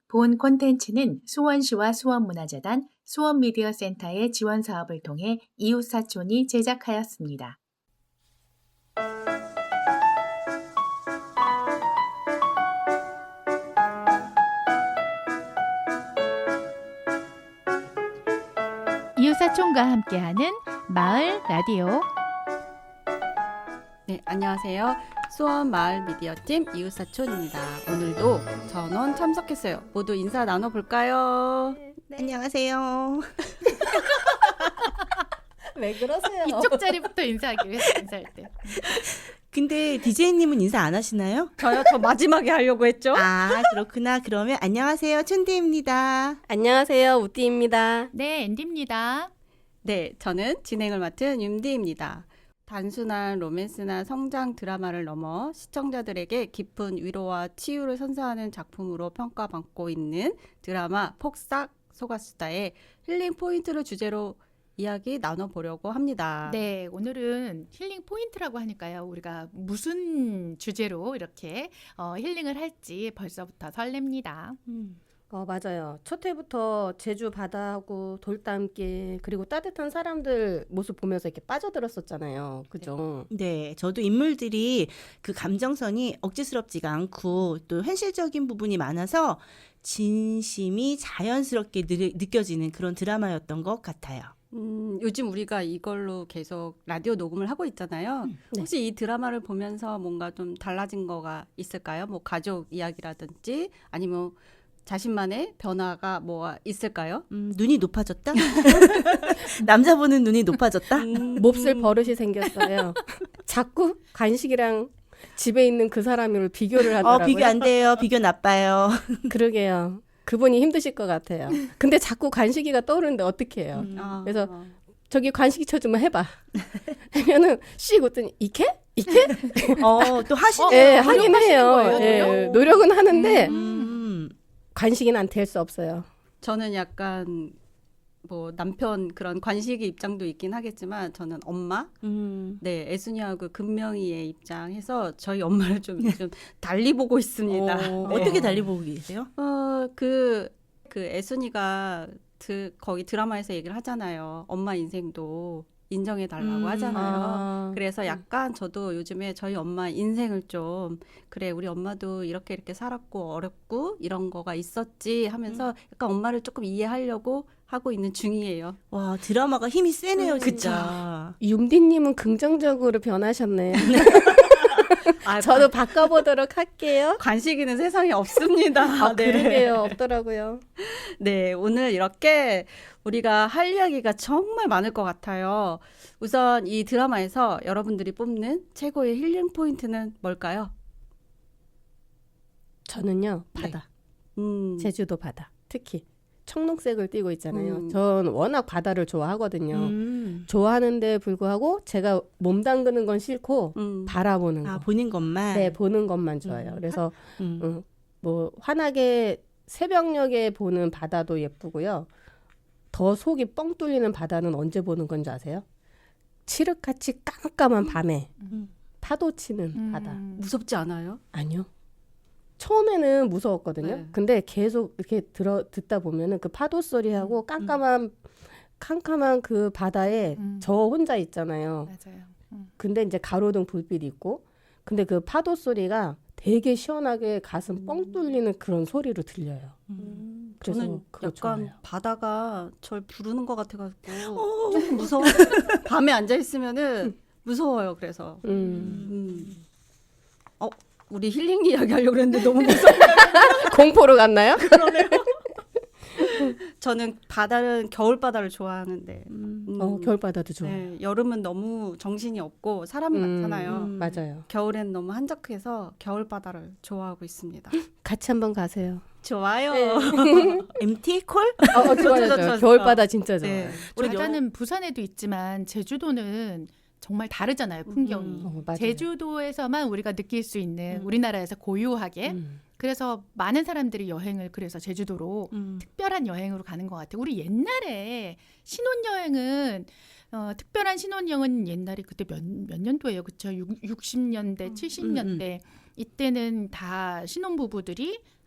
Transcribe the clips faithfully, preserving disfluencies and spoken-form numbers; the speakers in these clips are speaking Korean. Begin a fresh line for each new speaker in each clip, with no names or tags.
본 콘텐츠는 수원시와 수원문화재단, 수원미디어센터의 지원 사업을 통해 이웃사촌이 제작하였습니다. 이웃사촌과 함께하는 마을 라디오.
네, 안녕하세요. 수원 마을 미디어팀 이웃사촌입니다. 오늘도 전원 참석했어요. 모두 인사 나눠볼까요?
네. 안녕하세요.
왜 그러세요?
이쪽 자리부터 인사하기로 했어, 인사할 때.
근데 디제이님은 인사 안 하시나요?
저요? 저 마지막에 하려고 했죠?
아, 그렇구나. 그러면 안녕하세요. 춘디입니다.
안녕하세요. 우띠입니다.
네, 앤디입니다.
네, 저는 진행을 맡은 윤디입니다. 단순한 로맨스나 성장 드라마를 넘어 시청자들에게 깊은 위로와 치유를 선사하는 작품으로 평가받고 있는 드라마 폭삭 소가수다의 힐링 포인트를 주제로 이야기 나눠보려고 합니다.
네, 오늘은 힐링 포인트라고 하니까요. 우리가 무슨 주제로 이렇게 어, 힐링을 할지 벌써부터 설렙니다.
음.
어, 맞아요. 첫 회부터 제주 바다하고 돌담길 그리고 따뜻한 사람들 모습 보면서 이렇게 빠져들었었잖아요. 그죠?
네, 저도 인물들이 그 감정선이 억지스럽지가 않고 또 현실적인 부분이 많아서 진심이 자연스럽게 느, 느껴지는 그런 드라마였던 것 같아요.
음, 요즘 우리가 이걸로 계속 라디오 녹음을 하고 있잖아요.
음,
네.
혹시 이 드라마를 보면서 뭔가 좀 달라진 거가 있을까요? 뭐 가족 이야기라든지 아니면 자신만의 변화가 뭐가 있을까요?
음, 눈이 높아졌다? 남자 보는 눈이 높아졌다?
음,
몹쓸 버릇이 생겼어요. 자꾸 간식이랑 집에 있는 그 사람을 비교를 하더라고요.
어, 비교 안 돼요. 비교 나빠요.
그러게요. 그분이 힘드실 것 같아요. 근데 자꾸 간식이가 떠오르는데 어떻게 해요?
음.
아,
그래서
아.
저기 간식이 쳐주면 해봐. 하면은 씩 웃더니 이케? 이케?
어, 또 하시네요.
예, 하긴
노력하시는
해요.
거예요,
예,
노력?
노력은 하는데
음.
간식이는 안 될 수 없어요.
저는 약간 뭐 남편 그런 관식이 입장도 있긴 하겠지만 저는 엄마,
음.
네 애순이하고 금명이의 입장해서 저희 엄마를 좀, 좀 달리 보고 있습니다.
어,
네.
어떻게 달리 보고 계세요?
어, 그, 그 애순이가 드, 거기 드라마에서 얘기를 하잖아요. 엄마 인생도 인정해 달라고
음.
하잖아요.
아,
그래서 약간 저도 요즘에 저희 엄마 인생을 좀 그래 우리 엄마도 이렇게 이렇게 살았고 어렵고 이런 거가 있었지 하면서 약간 엄마를 조금 이해하려고 하고 있는 중이에요.
와, 드라마가 힘이 세네요,
음,
진짜.
윤디님은 긍정적으로 변하셨네요.
아,
저도 바꿔보도록 할게요.
관식이는 세상에 없습니다.
아,
네.
그러게요. 없더라고요.
네, 오늘 이렇게 우리가 할 이야기가 정말 많을 것 같아요. 우선 이 드라마에서 여러분들이 뽑는 최고의 힐링 포인트는 뭘까요?
저는요, 바다.
음,
제주도 바다. 특히 청록색을 띠고 있잖아요.
음.
전 워낙 바다를 좋아하거든요.
음.
좋아하는데 불구하고 제가 몸 담그는 건 싫고
음.
바라보는 거.
아, 보는 것만.
네, 보는 것만 좋아요.
음.
그래서
음.
음, 뭐 환하게 새벽녘에 보는 바다도 예쁘고요. 더 속이 뻥 뚫리는 바다는 언제 보는 건지 아세요? 칠흑같이 깜깜한 밤에
음.
파도 치는
음.
바다.
무섭지 않아요?
아니요. 처음에는 무서웠거든요.
네.
근데 계속 이렇게 들어 듣다 보면은 그 파도 소리하고 깜깜한 캄캄한 그 바다에
음.
저 혼자 있잖아요.
맞아요. 음.
근데 이제 가로등 불빛이 있고, 근데 그 파도 소리가 되게 시원하게 가슴 뻥 뚫리는 그런 소리로 들려요.
음.
그래서
저는
그거
약간
좋아해요.
바다가 절 부르는 것 같아가지고
어.
조금 무서워. 밤에 앉아 있으면은 무서워요. 그래서
음.
음. 어, 우리 힐링 이야기 하려고 그랬는데 너무 무서워.
공포로 갔나요?
저는 바다는 겨울 바다를 좋아하는데
음.
음,
어, 겨울바다도 좋아요.
네, 여름은 너무 정신이 없고 사람이
음,
많잖아요.
음.
맞아요.
겨울엔 너무 한적해서 겨울 바다를 좋아하고 있습니다.
같이 한번 가세요.
좋아요.
엠티 콜?
어, 어, 좋아요,
좋죠,
좋아요.
좋죠.
겨울바다 진짜 좋아요.
네. 우리
바다는 부산에도 있지만 제주도는 정말 다르잖아요, 풍경이.
음.
어, 맞아요.
제주도에서만 우리가 느낄 수 있는
음.
우리나라에서 고유하게
음.
그래서 많은 사람들이 여행을 그래서 제주도로
음.
특별한 여행으로 가는 것 같아요. 우리 옛날에 신혼여행은 어, 특별한 신혼여행은 옛날에 그때 몇, 몇 년도예요, 그렇죠? 육십 년대, 칠십 년대 이때는 다 신혼부부들이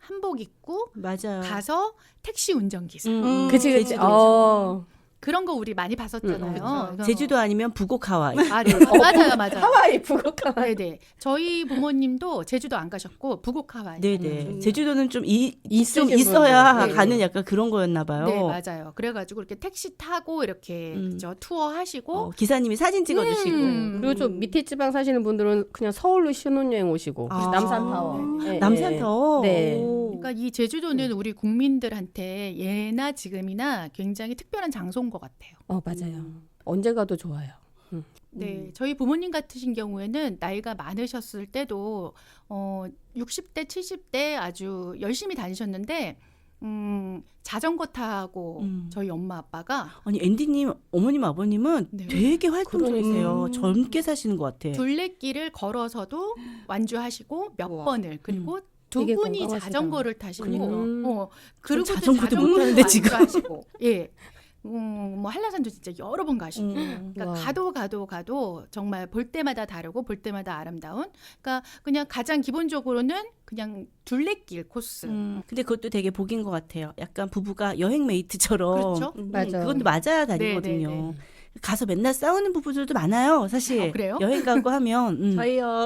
한복 입고
맞아요.
가서 택시 운전기사
음, 음.
그치 그치.
제주도.
어.
그런 거 우리 많이 봤었잖아요.
음,
이거
제주도 아니면 부곡 하와이.
아, 네. 맞아요, 맞아요.
하와이 북극 하와이.
네네. 저희 부모님도 제주도 안 가셨고 부곡 하와이.
네네.
음.
제주도는 좀, 이, 좀
있으신
있어야
분들. 네.
가는 약간 그런 거였나 봐요.
네, 맞아요. 그래가지고 이렇게 택시 타고 이렇게
음.
그죠? 투어 하시고
어, 기사님이 사진 찍어주시고.
음.
그리고 좀 밑에 지방 사시는 분들은 그냥 서울로 신혼여행 오시고
아.
남산타워. 예, 예.
남산타워.
네.
오.
그러니까 이 제주도는 우리 국민들한테 예나 지금이나 굉장히 특별한 장소인 것 같아요.
어 맞아요. 언제 가도 좋아요.
네, 저희 부모님 같으신 경우에는 나이가 많으셨을 때도 어 육십 대, 칠십 대 아주 열심히 다니셨는데 음, 자전거 타고
음.
저희 엄마 아빠가
아니 앤디님 어머님 아버님은
네.
되게 활동적이세요.
그러니까.
젊게 사시는 것 같아.
둘레길을 걸어서도 완주하시고 몇
우와.
번을 그리고 두
되게
분이
건강하시다.
자전거를 타시고
그러니까.
어 그리고 또
자전거도
자전거를
못 타는데 지금.
완주하시고 예. 음, 뭐 한라산도 진짜 여러 번 가시고
음.
그러니까
와.
가도 가도 가도 정말 볼 때마다 다르고 볼 때마다 아름다운 그러니까 그냥 가장 기본적으로는 그냥 둘레길 코스
음, 근데 그것도 되게 복인 것 같아요. 약간 부부가 여행 메이트처럼.
그렇죠?
음.
맞아.
그것도 맞아야
네,
다니거든요.
네, 네.
가서 맨날 싸우는 부부들도 많아요. 사실
아, 그래요?
여행 가고 하면 음,
저희요.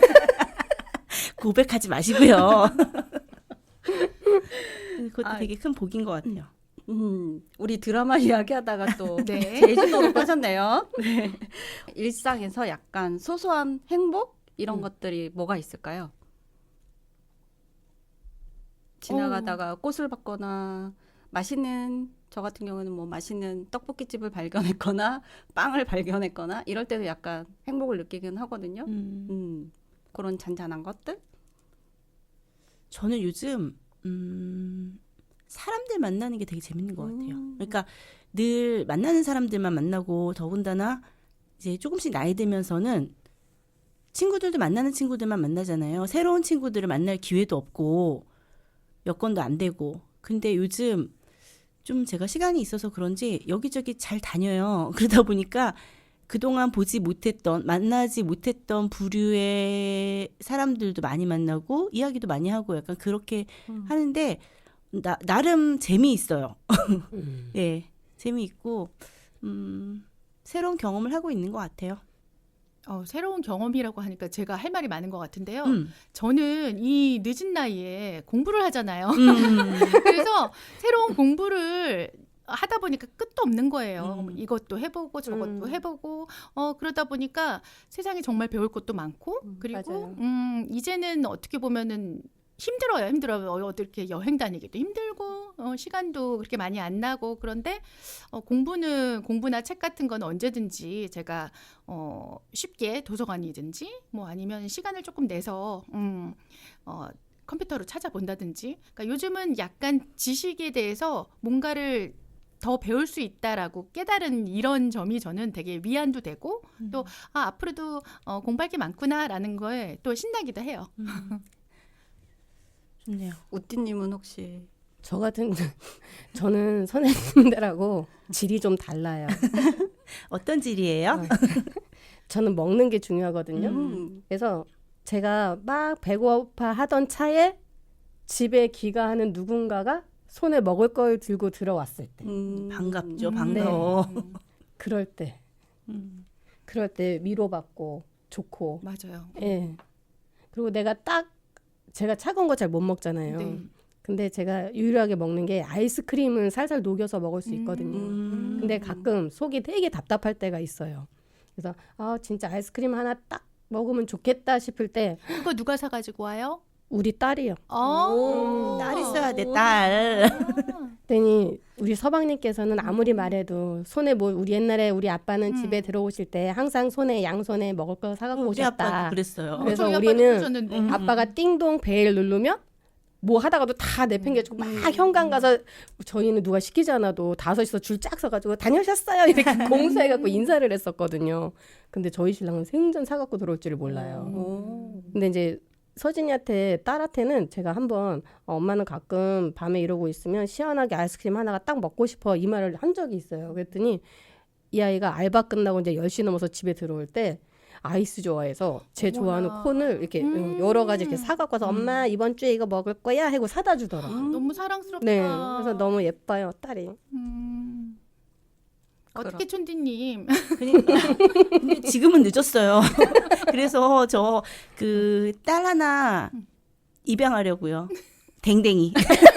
고백하지 마시고요. 그것도
아,
되게 큰 복인 것 같아요.
음, 우리 드라마 이야기하다가 또
네.
제주도로 빠졌네요. 네. 일상에서 약간 소소한 행복 이런
음.
것들이 뭐가 있을까요? 지나가다가 꽃을 봤거나 맛있는 저 같은 경우는 뭐 맛있는 떡볶이집을 발견했거나 빵을 발견했거나 이럴 때도 약간 행복을 느끼긴 하거든요.
음,
음, 그런 잔잔한 것들?
저는 요즘 음, 사람들 만나는 게 되게 재밌는 것 같아요.
음.
그러니까 늘 만나는 사람들만 만나고 더군다나 이제 조금씩 나이 들면서는 친구들도 만나는 친구들만 만나잖아요. 새로운 친구들을 만날 기회도 없고 여건도 안 되고. 근데 요즘 좀 제가 시간이 있어서 그런지 여기저기 잘 다녀요. 그러다 보니까 그동안 보지 못했던, 만나지 못했던 부류의 사람들도 많이 만나고 이야기도 많이 하고 약간 그렇게
음.
하는데 나, 나름 재미있어요.
음.
예, 재미있고 음, 새로운 경험을 하고 있는 것 같아요.
어, 새로운 경험이라고 하니까 제가 할 말이 많은 것 같은데요.
음.
저는 이 늦은 나이에 공부를 하잖아요.
음.
그래서 새로운 공부를 하다 보니까 끝도 없는 거예요.
음.
이것도 해보고 저것도
음.
해보고 어 그러다 보니까 세상에 정말 배울 것도 많고
음,
그리고
맞아요.
음 이제는 어떻게 보면은 힘들어요. 힘들어요. 어, 어떻게 여행 다니기도 힘들고 어, 시간도 그렇게 많이 안 나고 그런데 어, 공부는 공부나 책 같은 건 언제든지 제가 어, 쉽게 도서관이든지 뭐 아니면 시간을 조금 내서 음, 어, 컴퓨터로 찾아본다든지. 그러니까 요즘은 약간 지식에 대해서 뭔가를 더 배울 수 있다라고 깨달은 이런 점이 저는 되게 위안도 되고 또 아, 앞으로도 어, 공부할 게 많구나라는 거에 또 신나기도 해요.
좋네요.
우띠님은 혹시
저 같은 저는 선생님들하고 질이 좀 달라요.
어떤 질이에요?
어. 저는 먹는 게 중요하거든요.
음.
그래서 제가 막 배고파 하던 차에 집에 귀가하는 누군가가 손에 먹을 걸 들고 들어왔을 때,
음.
반갑죠.
음.
반가워.
음,
그럴 때,
음.
그럴 때 위로받고 좋고,
맞아요.
예. 그리고 내가 딱 제가 차가운 거 잘 못 먹잖아요.
네.
근데 제가 유일하게 먹는 게 아이스크림은 살살 녹여서 먹을 수 있거든요.
음.
근데 가끔 속이 되게 답답할 때가 있어요. 그래서 아 진짜 아이스크림 하나 딱 먹으면 좋겠다 싶을 때
그거 누가 사가지고 와요?
우리 딸이요.
어.
딸 있어야 돼, 딸.
그랬더니 우리 서방님께서는 아무리 말해도 손에 뭐 우리 옛날에 우리 아빠는
음.
집에 들어오실 때 항상 손에 양손에 먹을 거 사갖고
우리
오셨다.
아빠도 그랬어요.
그래서
저희 아빠도
우리는
그러셨는데.
음.
아빠가 띵동 벨 누르면 뭐 하다가도 다 내팽개치고 막 현관 가서 저희는 누가 시키지 않아도 다섯이서 줄 쫙 서가지고 다녀오셨어요 이렇게 공수해갖고 인사를 했었거든요. 근데 저희 신랑은 생전 사갖고 들어올 줄을 몰라요.
오.
근데 이제 서진이한테 딸한테는 제가 한번 어, 엄마는 가끔 밤에 이러고 있으면 시원하게 아이스크림 하나가 딱 먹고 싶어 이 말을 한 적이 있어요. 그랬더니 이 아이가 알바 끝나고 이제 열 시 넘어서 집에 들어올 때 아이스 좋아해서 제
어머나.
좋아하는 콘을 이렇게
음.
여러 가지 이렇게 사갖고 와서
음.
엄마 이번 주에 이거 먹을 거야 하고 사다 주더라고요.
너무 사랑스럽다.
네, 그래서 너무 예뻐요 딸이.
음.
그럼.
어떻게 촌디님?
그러니까. 근데 지금은 늦었어요. 그래서 저 그 딸 하나 입양하려고요. 댕댕이.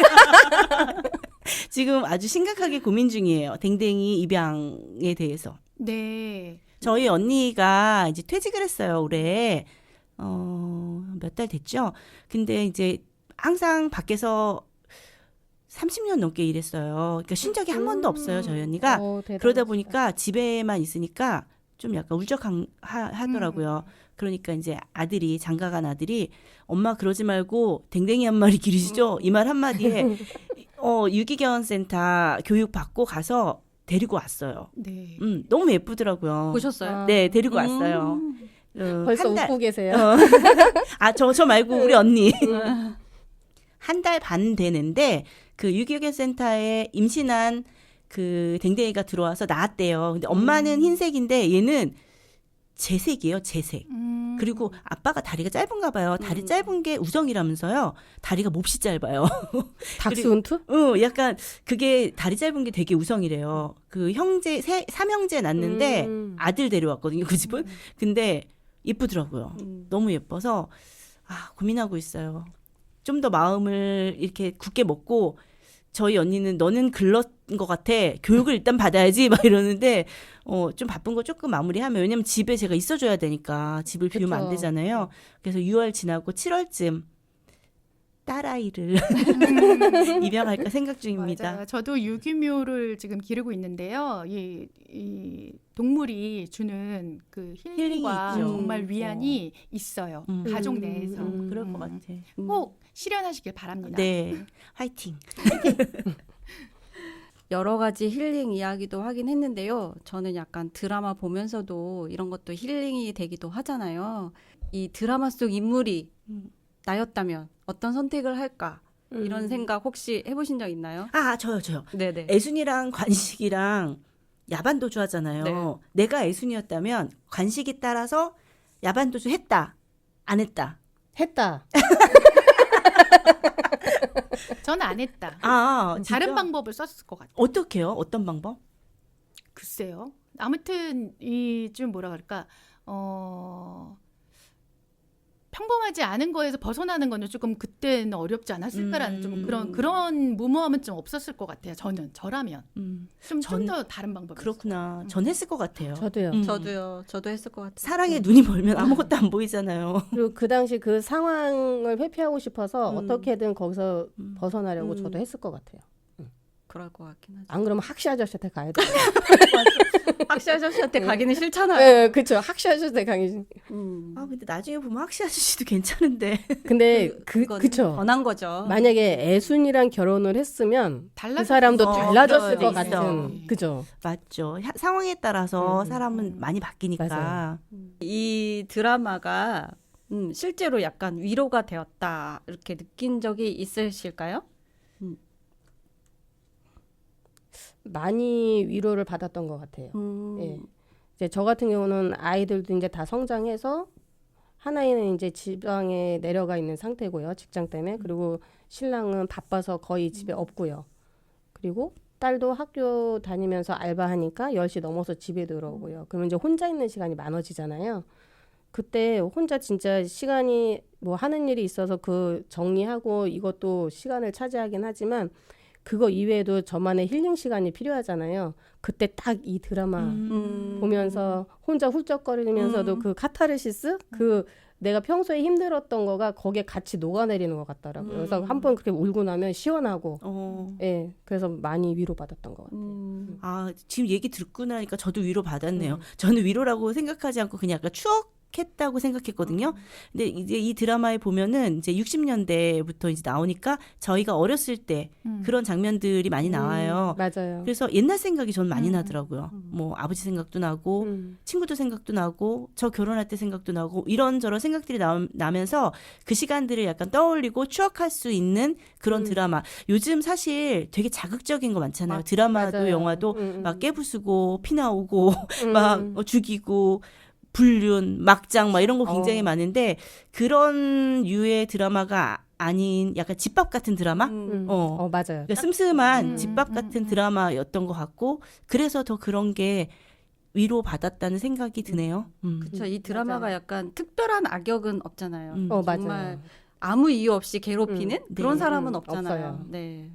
지금 아주 심각하게 고민 중이에요. 댕댕이 입양에 대해서.
네.
저희 언니가 이제 퇴직을 했어요, 올해. 어, 몇 달 됐죠? 근데 이제 항상 밖에서 삼십 년 넘게 일했어요. 그러니까 쉰 적이 한 번도 없어요, 저희 언니가.
어, 대단하시다.
그러다 보니까 집에만 있으니까 좀 약간 울적하더라고요. 그러니까 이제 아들이 장가간 아들이 엄마 그러지 말고 댕댕이 한 마리 기르시죠. 이 말 한마디에 어, 유기견 센터 교육 받고 가서 데리고 왔어요.
네.
음, 너무 예쁘더라고요.
보셨어요?
네, 데리고 왔어요.
음.
어,
벌써
한 달-
웃고 계세요.
어. 아, 저, 저 말고 우리 언니. 한 달 반 되는데 그 유기견 센터에 임신한 그 댕댕이가 들어와서 나왔대요. 근데 엄마는 흰색인데 얘는 재색이에요, 재색.
음.
그리고 아빠가 다리가 짧은가 봐요. 다리 짧은 게 우정이라면서요. 다리가 몹시 짧아요.
닥스훈트?
어, 약간 그게 다리 짧은 게 되게 우성이래요. 그 형제 세 삼형제 낳는데
음.
아들 데려왔거든요. 그 집은. 근데 예쁘더라고요.
음.
너무 예뻐서 아, 고민하고 있어요. 좀 더 마음을 이렇게 굳게 먹고 저희 언니는 너는 글렀 것 같아. 교육을 일단 받아야지 막 이러는데 어, 좀 바쁜 거 조금 마무리하면 왜냐면 집에 제가 있어줘야 되니까 집을 비우면 안
그쵸.
되잖아요. 그래서 유월 지나고 칠월쯤 딸아이를 입양할까 생각 중입니다.
맞아요. 저도 유기묘를 지금 기르고 있는데요. 이, 이 동물이 주는 그 힐링과
힐링이 있죠.
정말 위안이 있어요.
음.
가족 내에서.
음,
그럴
음.
것 같아.
꼭 실현하시길 바랍니다.
네, 화이팅.
여러 가지 힐링 이야기도 하긴 했는데요. 저는 약간 드라마 보면서도 이런 것도 힐링이 되기도 하잖아요. 이 드라마 속 인물이
음.
나였다면 어떤 선택을 할까? 이런
음.
생각 혹시 해보신 적 있나요?
아, 저요, 저요.
네네.
애순이랑 관식이랑 야반도주 하잖아요.
네.
내가 애순이었다면 관식이 따라서 야반도주 했다. 안 했다.
했다.
저는 안 했다.
아, 진짜?
다른 방법을 썼을 것 같아요.
어떻게요? 어떤 방법?
글쎄요. 아무튼 이 좀 뭐라 그럴까 어 평범하지 않은 거에서 벗어나는 거는 조금 그때는 어렵지 않았을까라는
음.
좀 그런 그런 무모함은 좀 없었을 것 같아요. 저는 저라면
음,
좀 좀
전-
더 다른 방법.
그렇구나. 전 했을 것 같아요.
저도요.
음.
저도요. 저도 했을 것 같아요.
사랑에 눈이 멀면 아무것도 안 보이잖아요.
그리고 그 당시 그 상황을 회피하고 싶어서
음.
어떻게든 거기서
음.
벗어나려고
음.
저도 했을 것 같아요.
그럴 것 같긴 하죠.
안 그러면 학시 아저씨한테 가야 돼요.
학시 아저씨한테 가기는 싫잖아요.
네, 그렇죠. 학시 아저씨한테 가기.
음.
아, 근데 나중에 보면 학시 아저씨도 괜찮은데.
근데 그
그건
그쵸.
변한 거죠.
만약에 애순이랑 결혼을 했으면
달라
그 사람도
어,
달라졌을
그럴
것
수 있어.
같은. 그죠.
맞죠. 하- 상황에 따라서
음.
사람은 많이 바뀌니까.
맞아요.
이 드라마가 음, 실제로 약간 위로가 되었다 이렇게 느낀 적이 있으실까요?
많이 위로를 받았던 것 같아요.
음.
예. 이제 저 같은 경우는 아이들도 이제 다 성장해서 하나이는 이제 지방에 내려가 있는 상태고요. 직장 때문에. 그리고 신랑은 바빠서 거의 집에 없고요. 그리고 딸도 학교 다니면서 알바하니까 열 시 넘어서 집에 들어오고요. 그러면 이제 혼자 있는 시간이 많아지잖아요. 그때 혼자 진짜 시간이 뭐 하는 일이 있어서 그 정리하고 이것도 시간을 차지하긴 하지만 그거 이외에도 저만의 힐링 시간이 필요하잖아요. 그때 딱 이 드라마
음.
보면서 혼자 훌쩍거리면서도
음.
그 카타르시스 그 내가 평소에 힘들었던 거가 거기에 같이 녹아내리는 것 같더라고요. 그래서
음.
한 번 그렇게 울고 나면 시원하고
어.
예 그래서 많이 위로받았던 것 같아요.
음.
아, 지금 얘기 듣고 나니까 저도 위로 받았네요.
음.
저는 위로라고 생각하지 않고 그냥 약간 추억했다고 생각했거든요. 근데 이제 이 드라마에 보면은 이제 육십 년대부터 이제 나오니까 저희가 어렸을 때
음.
그런 장면들이 많이 나와요.
음, 맞아요.
그래서 옛날 생각이 전 많이
음.
나더라고요. 뭐 아버지 생각도 나고
음.
친구들 생각도 나고 저 결혼할 때 생각도 나고 이런저런 생각들이 나, 나면서 그 시간들을 약간 떠올리고 추억할 수 있는 그런
음.
드라마. 요즘 사실 되게 자극적인 거 많잖아요.
맞-
드라마도
맞아요.
영화도
음, 음.
막 깨부수고 피 나오고
음.
막 어, 죽이고 불륜, 막장 막 이런 거 굉장히
어.
많은데 그런 유의 드라마가 아닌 약간 집밥 같은 드라마?
음.
어.
어 맞아요.
그러니까 슴슴한
음,
집밥
음,
같은
음.
드라마였던 것 같고 그래서 더 그런 게 위로 받았다는 생각이 드네요. 음.
그렇죠. 이 드라마가 약간 특별한 악역은 없잖아요.
음.
어
정말
맞아요.
아무 이유 없이 괴롭히는
음.
그런
네.
사람은
음,
없잖아요.
없어요.
네.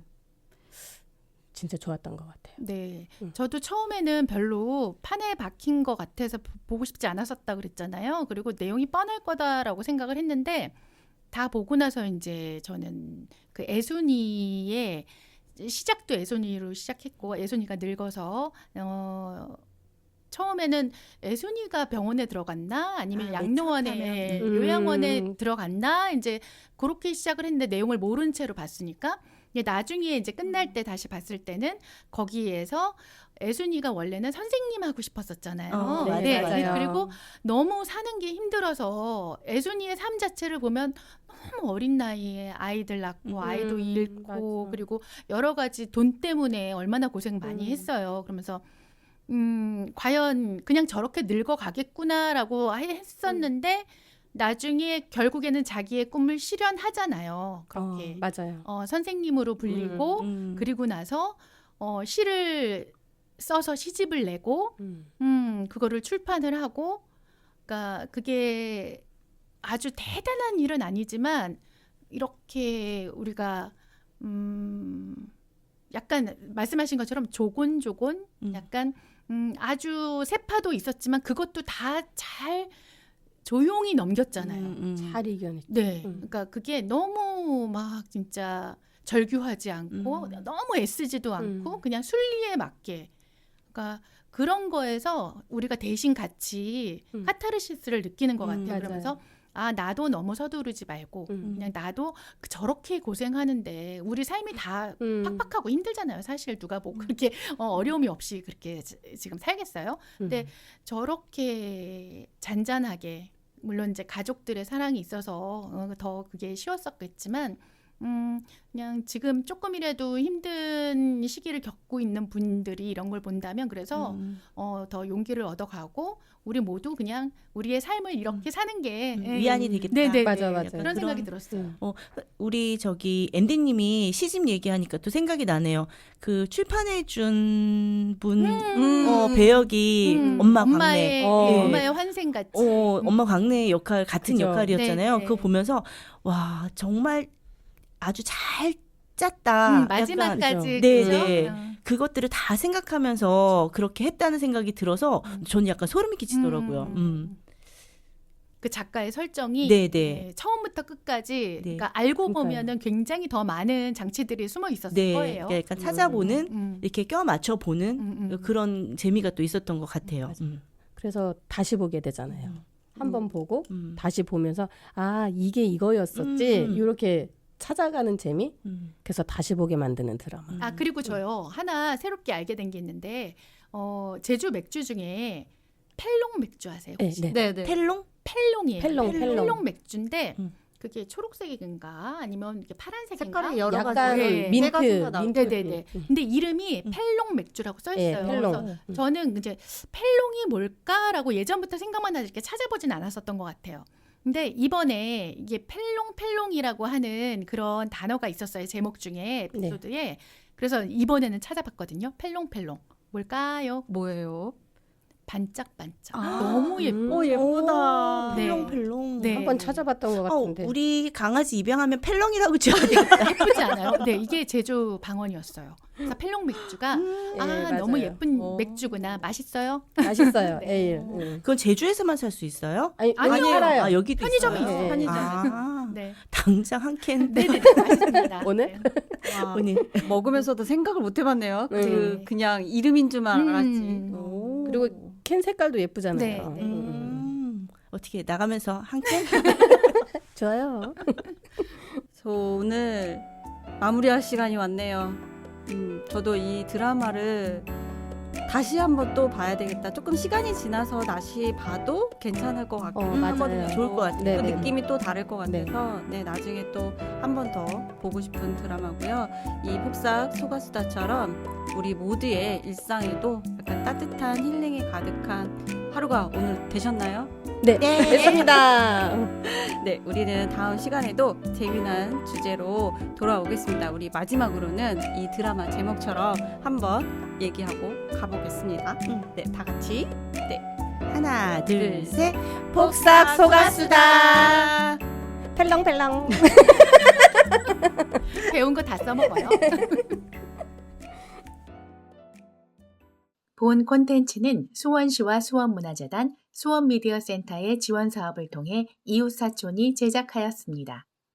진짜 좋았던 것 같아요.
네,
음.
저도 처음에는 별로 판에 박힌 것 같아서 보- 보고 싶지 않았었다 그랬잖아요. 그리고 내용이 뻔할 거다라고 생각을 했는데 다 보고 나서 이제 저는 그 애순이의 시작도 애순이로 시작했고 애순이가 늙어서 어. 처음에는 애순이가 병원에 들어갔나 아니면
아,
양로원에
내
음.
요양원에 들어갔나 이제 그렇게 시작을 했는데 내용을 모른 채로 봤으니까 이제 나중에 이제 끝날 때 다시 봤을 때는 거기에서 애순이가 원래는 선생님 하고 싶었었잖아요.
어, 맞아요,
네,
맞아요.
그리고 너무 사는 게 힘들어서 애순이의 삶 자체를 보면 너무 어린 나이에 아이들 낳고
음,
아이도 잃고
맞아.
그리고 여러 가지 돈 때문에 얼마나 고생 많이
음.
했어요. 그러면서 음, 과연 그냥 저렇게 늙어가겠구나라고 해- 했었는데 나중에 결국에는 자기의 꿈을 실현하잖아요. 그렇게
어, 맞아요.
어, 선생님으로 불리고
음.
그리고 나서 어, 시를 써서 시집을 내고
음.
음, 그거를 출판을 하고 그러니까 그게 아주 대단한 일은 아니지만 이렇게 우리가 음, 약간 말씀하신 것처럼 조곤조곤
음.
약간 음, 아주 세파도 있었지만 그것도 다 잘 조용히 넘겼잖아요.
음, 음.
잘 이겨냈죠.
네.
음.
그러니까 그게 너무 막 진짜 절규하지 않고
음.
너무 애쓰지도 않고
음.
그냥 순리에 맞게. 그러니까 그런 거에서 우리가 대신 같이
음.
카타르시스를 느끼는 것
음,
같아요.
맞아요.
그러면서 아 나도 너무 서두르지 말고
음.
그냥 나도 그 저렇게 고생하는데 우리 삶이 다
음.
팍팍하고 힘들잖아요. 사실 누가 뭐 그렇게 어, 어려움이 없이 그렇게 지- 지금 살겠어요. 근데
음.
저렇게 잔잔하게 물론 이제 가족들의 사랑이 있어서 어, 더 그게 쉬웠었겠지만 음 그냥 지금 조금이라도 힘든 시기를 겪고 있는 분들이 이런 걸 본다면 그래서
음.
어, 더 용기를 얻어가고 우리 모두 그냥 우리의 삶을 이렇게 사는 게
음,
예.
위안이 되겠다.
네네
맞아, 맞아.
그런
그런-
생각이 들었어요.
음.
어, 우리 저기 앤디님이 시집 얘기하니까 또 생각이 나네요. 그 출판해준 분
음.
어, 배역이
음,
엄마 광래.
엄마의
어.
예,
네.
엄마의 환생 같이
어,
음.
엄마 광래의 역할 같은
그죠.
역할이었잖아요.
네, 네.
그거 보면서 와 정말 아주 잘
음,
짰다. 약간
마지막까지
네,
그죠?
네.
어.
그것들을 다 생각하면서 그렇게 했다는 생각이 들어서
음.
저는 약간 소름이 끼치더라고요.
음.
음.
그 작가의 설정이
네, 네.
예, 처음부터 끝까지
네.
그러니까 알고
그러니까요.
보면은 굉장히 더 많은 장치들이 숨어 있었을
네,
거예요.
그러니까 약간 찾아보는
음.
이렇게 껴 맞춰 보는
음, 음.
그런 재미가 또 있었던 것 같아요.
맞아요.
음.
그래서 다시 보게 되잖아요.
음.
한 번 보고
음.
다시 보면서 아 이게 이거였었지
음.
이렇게 찾아가는 재미.
음.
그래서 다시 보게 만드는 드라마.
음.
아 그리고 저요 하나 새롭게 알게 된 게 있는데 어, 제주 맥주 중에 펠롱 맥주 아세요?
네,
혹시?
네.
네, 네.
텔롱?
펠롱이에요.
펠롱, 펠롱.
맥주인데
음.
그게 초록색인가 아니면 이렇게 파란색인가?
색깔이 여러
약간
가지.
네.
민트,
가지가 나오고.
민트.
네네네.
음.
근데 이름이
음.
펠롱 맥주라고 써
예,
있어요.
펠롱.
그래서
음.
저는 이제 펠롱이 뭘까라고 예전부터 생각만 하지 이렇게 찾아보진 않았었던 것 같아요. 근데 이번에 이게 펠롱 펠롱이라고 하는 그런 단어가 있었어요. 제목 중에 에피소드에. 그래서 이번에는 찾아봤거든요. 펠롱 펠롱. 뭘까요?
뭐예요?
반짝반짝.
아.
너무 예뻐.
음.
오, 예쁘다.
네.
펠롱펠롱.
네.
한번 찾아봤던 것
어,
같은데.
우리 강아지 입양하면 펠롱이라고 지어야 되겠다.
예쁘지 않아요? 네, 이게 제주 방언이었어요. 그래서 펠롱 맥주가
음.
아
예,
너무
맞아요.
예쁜
어.
맥주구나. 맛있어요?
맛있어요.
네.
에일. 음.
그건 제주에서만 살 수 있어요?
아니,
아니요.
여기 살아요.
아, 여기도
편의점에
있어요?
있어요.
편의점.
아,
네.
당장 한 캔.
네네 맛있습니다.
오늘?
네.
와,
오늘.
먹으면서도 생각을 못 해봤네요.
네.
그 그냥 이름인 줄만
음.
알았지.
오.
그리고 캔 색깔도 예쁘잖아요.
네, 네.
음.
음, 어떻게 나가면서 한 캔?
좋아요.
저 오늘 마무리할 시간이 왔네요. 음, 저도 이 드라마를 다시 한번 또 봐야 되겠다. 조금 시간이 지나서 다시 봐도 괜찮을 것 같고
어,
한
맞아요.
번 더
좋을 것 같아요.
네,
또
네.
느낌이 또 다를 것
네.
같아서 네, 나중에 또 한 번 더 보고 싶은 드라마고요. 이 폭삭 소가수다처럼 우리 모두의 일상에도 약간 따뜻한 힐링이 가득한 하루가 오늘 되셨나요?
네,
네.
됐습니다.
네, 우리는 다음 시간에도 재미난 주제로 돌아오겠습니다. 우리 마지막으로는 이 드라마 제목처럼 한번 얘기하고 가보겠습니다.
음.
네, 다 같이
하나, 둘,
둘,
셋.
폭삭 속았수다. 펠렁펠렁.
배운 거 다 써먹어요. 본 콘텐츠는 수원시와 수원문화재단, 수원미디어센터의 지원 사업을 통해 이웃사촌이 제작하였습니다.